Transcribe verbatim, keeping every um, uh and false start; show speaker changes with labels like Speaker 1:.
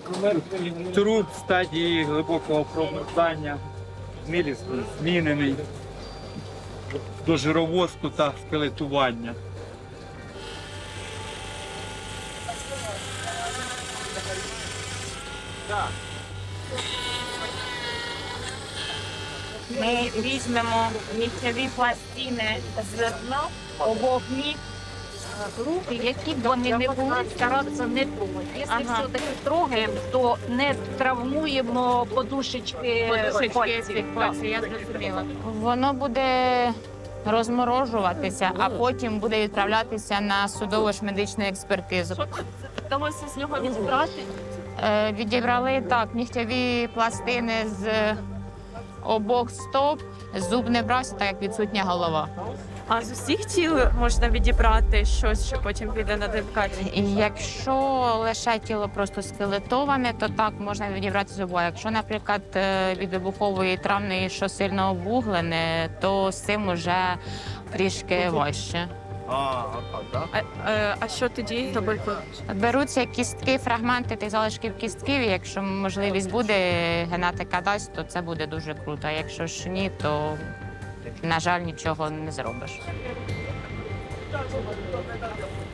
Speaker 1: Труп в стадії глибокого промерзання, мілісно змінений до жировозку та скелетування.
Speaker 2: Ми візьмемо нігтєві пластини з дна обох ніг, які б вони не були, старатися не трогати. Якщо
Speaker 3: Ага.
Speaker 2: все-таки трогаємо, то не травмуємо подушечки, пальців.
Speaker 3: я зрозуміла. Воно буде розморожуватися, а потім буде відправлятися на судово ж медичну експертизу.
Speaker 2: Вдалося з нього відбрати.
Speaker 3: Е, Відібрали так нігтєві пластини з обох стоп, зуб не брався, так як відсутня голова.
Speaker 4: А з усіх тіл можна відібрати щось, що потім піде на ДНК?
Speaker 3: І якщо лише тіло просто скелетоване, то так можна відібрати зуба. Якщо, наприклад, е, від вибухової травми, що сильно обуглене, то з цим вже трішки важче.
Speaker 4: А, е, а що тоді робити?
Speaker 3: Беруться кістки, фрагменти тих залишків кістків, і якщо можливість буде, генетика дасть, то це буде дуже круто. А якщо ж ні, то, на жаль, нічого не зробиш.